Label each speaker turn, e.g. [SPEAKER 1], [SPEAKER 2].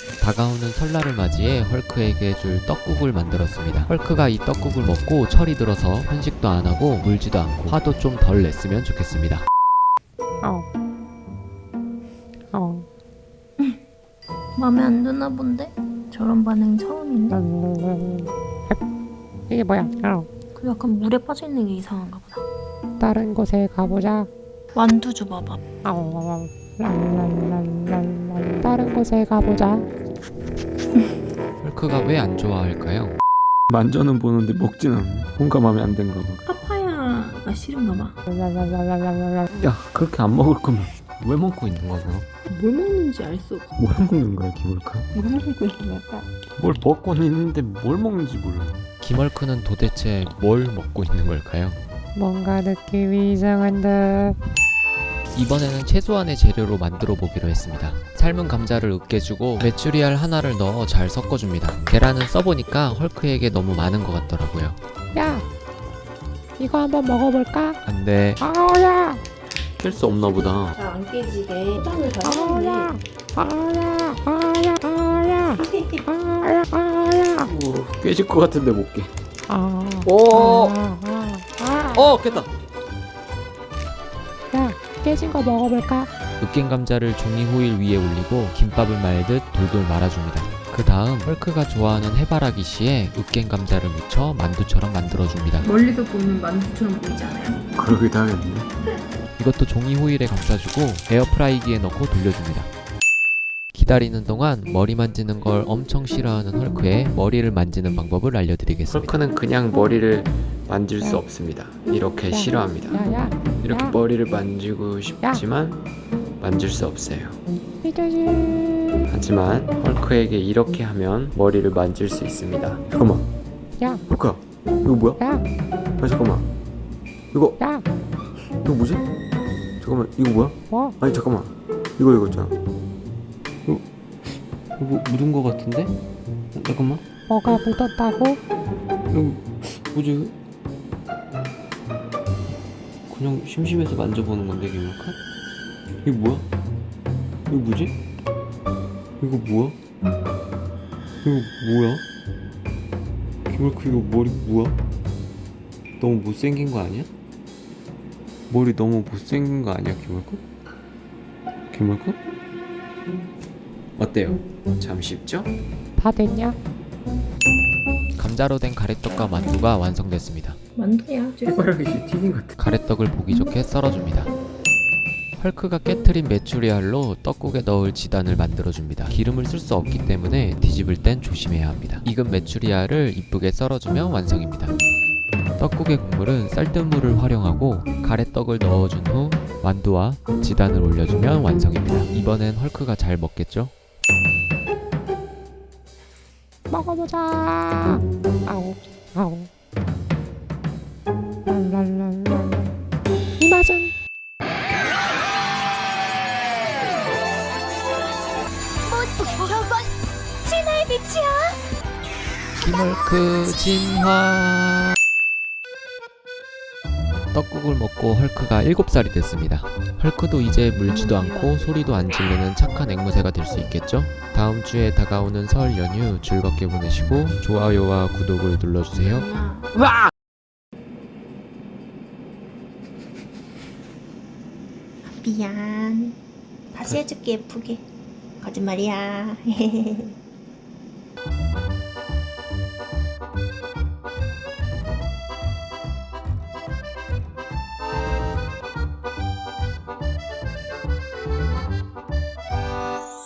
[SPEAKER 1] 다가오는 설날을 맞이해 헐크에게 줄 떡국을 만들었습니다. 헐크가 이 떡국을 먹고 철이 들어서 편식도 안 하고 물지도 않고 화도 좀 덜 냈으면 좋겠습니다.
[SPEAKER 2] 맘에 안 드나 본데? 저런 반응 처음인데?
[SPEAKER 3] 이게 뭐야?
[SPEAKER 2] 그 약간 물에 빠져있는 게 이상한가 보다.
[SPEAKER 3] 다른 곳에 가보자.
[SPEAKER 2] 완두 줘봐봐.
[SPEAKER 3] 다른 곳에 가보자.
[SPEAKER 1] 헐크가 왜 안 좋아할까요?
[SPEAKER 4] 만져는 보는데 먹진 않네. 뭔가 마음에 안 든가 봐.
[SPEAKER 2] 파파야가 싫은가 봐.
[SPEAKER 4] 야, 그렇게 안 먹을 거면 왜 먹고 있는 거야?
[SPEAKER 2] 뭘 먹는지 알 수 없어.
[SPEAKER 4] 뭘 먹는 거야, 기울까?
[SPEAKER 2] 뭘 먹고 있는 걸까?
[SPEAKER 4] 뭘 먹고는 있는데 뭘 먹는지 몰라.
[SPEAKER 1] 김헐크는 도대체 뭘 먹고 있는 걸까요?
[SPEAKER 3] 뭔가 느낌이 이상한데.
[SPEAKER 1] 이번에는 최소한의 재료로 만들어 보기로 했습니다. 삶은 감자를 으깨주고 메추리알 하나를 넣어 잘 섞어줍니다. 계란은 써보니까 헐크에게 너무 많은 것 같더라고요.
[SPEAKER 3] 야, 이거 한번 먹어볼까?
[SPEAKER 1] 안돼.
[SPEAKER 3] 아우야,
[SPEAKER 4] 깰 수 없나 보다.
[SPEAKER 2] 잘 안 깨지게 포장을 잘
[SPEAKER 3] 아우야,
[SPEAKER 2] 해놨네.
[SPEAKER 3] 아우야, 아우야, 아우야, 아우야.
[SPEAKER 4] 오, 깨질 것 같은데 못 깨.
[SPEAKER 3] 아,
[SPEAKER 4] 오!
[SPEAKER 3] 아.
[SPEAKER 4] 깼다.
[SPEAKER 3] 야, 깨진 거 먹어볼까?
[SPEAKER 1] 으깬 감자를 종이 호일 위에 올리고 김밥을 말듯 돌돌 말아줍니다. 그 다음 헐크가 좋아하는 해바라기 씨에 으깬 감자를 묻혀 만두처럼 만들어줍니다.
[SPEAKER 2] 멀리서 보면 만두처럼 보이지 않아요?
[SPEAKER 4] 그러기도 하겠네.
[SPEAKER 1] 이것도 종이 호일에 감싸주고 에어프라이기에 넣고 돌려줍니다. 기다리는 동안 머리 만지는 걸 엄청 싫어하는 헐크의 머리를 만지는 방법을 알려드리겠습니다.
[SPEAKER 4] 헐크는 그냥 머리를 만질 수 없습니다. 이렇게 싫어합니다.
[SPEAKER 3] 야,
[SPEAKER 4] 이렇게
[SPEAKER 3] 야.
[SPEAKER 4] 머리를 만지고 싶지만 만질 수 없어요.
[SPEAKER 3] 이 자식.
[SPEAKER 4] 하지만 헐크에게 이렇게 하면 머리를 만질 수 있습니다. 잠깐만,
[SPEAKER 3] 야,
[SPEAKER 4] 헐크야, 이거 뭐야?
[SPEAKER 3] 야,
[SPEAKER 4] 아 잠깐만, 이거
[SPEAKER 3] 야,
[SPEAKER 4] 뭐지? 잠깐만, 이거 뭐야?
[SPEAKER 3] 뭐?
[SPEAKER 4] 아니 잠깐만, 이거 있잖아. 이거 묻은 거 같은데? 잠깐만,
[SPEAKER 3] 뭐가 묻었다고?
[SPEAKER 4] 이거 뭐지? 그냥 심심해서 만져보는 건데, 김을까? 이게 뭐야? 이거 뭐지? 이거 뭐야? 이거 뭐야? 김을크 이거 머리 뭐야? 너무 못생긴 거 아니야? 머리 너무 못생긴 거 아니야, 김을크? 김을크? 어때요? 참 쉽죠?
[SPEAKER 3] 다 됐냐?
[SPEAKER 1] 감자로 된 가래떡과 만두가 완성됐습니다.
[SPEAKER 2] 만두야.
[SPEAKER 4] 해바라기 씨 튀긴 것 같아.
[SPEAKER 1] 가래떡을 보기 좋게 썰어줍니다. 헐크가 깨트린 메추리알로 떡국에 넣을 지단을 만들어줍니다. 기름을 쓸 수 없기 때문에 뒤집을 땐 조심해야 합니다. 익은 메추리알을 이쁘게 썰어주면 완성입니다. 떡국의 국물은 쌀뜨물을 활용하고 가래떡을 넣어준 후 만두와 지단을 올려주면 완성입니다. 이번엔 헐크가 잘 먹겠죠?
[SPEAKER 3] 먹어보자. 아우, 아우. 랄랄랄랄. 이 맛은
[SPEAKER 2] 저건 진화의 빛이야.
[SPEAKER 1] 김헐크 진화. 떡국을 먹고 헐크가 7살이 됐습니다. 헐크도 이제 물지도 않고 소리도 안 지르는 착한 앵무새가 될 수 있겠죠? 다음 주에 다가오는 설 연휴 즐겁게 보내시고 좋아요와 구독을 눌러주세요.
[SPEAKER 2] 미안. 다시 해줄게 예쁘게. 거짓말이야.